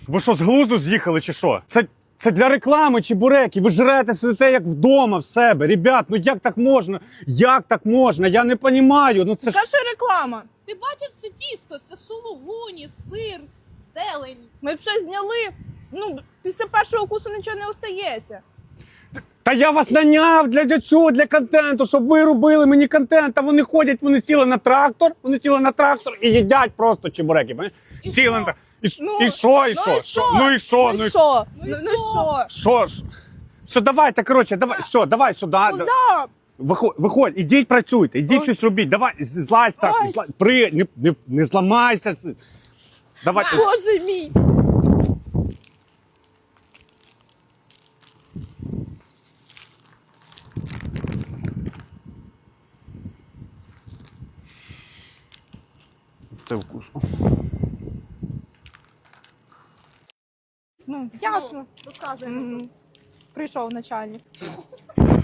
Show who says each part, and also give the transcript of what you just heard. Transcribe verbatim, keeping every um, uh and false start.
Speaker 1: Ви що, з глузду з'їхали чи що? Це, це для реклами чебуреки. Ви жрете, сидите як вдома в себе. Ребят, ну як так можна? Як так можна? Я не розумію. Ну це ж...
Speaker 2: Яка ж реклама?
Speaker 3: Ти бачив це тісто? Це сулугуні, сир, зелень.
Speaker 2: Ми б щось зняли. Ну, після першого укусу нічого не остається.
Speaker 1: Та я вас наняв для, для чого? Для контенту, щоб ви робили мені контент. А вони ходять, вони сіли на трактор, вони сіли на трактор і їдять просто чебуреки. Понимаєш?
Speaker 3: І
Speaker 1: Сіли
Speaker 3: що?
Speaker 1: на трактор. І, ш-
Speaker 2: Ну,
Speaker 1: і що, і
Speaker 2: ну
Speaker 1: що?
Speaker 2: і що?
Speaker 1: Ну і що?
Speaker 2: Ну і що?
Speaker 3: Ну
Speaker 2: Ну
Speaker 3: і
Speaker 2: ну і що?
Speaker 1: Що ж? Все, давайте, коротше, давай, все, давай сюди.
Speaker 2: Ну да.
Speaker 1: Виходь, виходь, ідіть працюйте, ідіть
Speaker 2: Ой.
Speaker 1: щось робіть. Давай, з- злазь так,
Speaker 2: Ой.
Speaker 1: злазь, при, не, не, не зламайся. Давай.
Speaker 2: Боже мій.
Speaker 1: Це вкусно.
Speaker 2: Ну, ясно.
Speaker 3: Розказуй.
Speaker 2: Мгм. Прийшов начальник.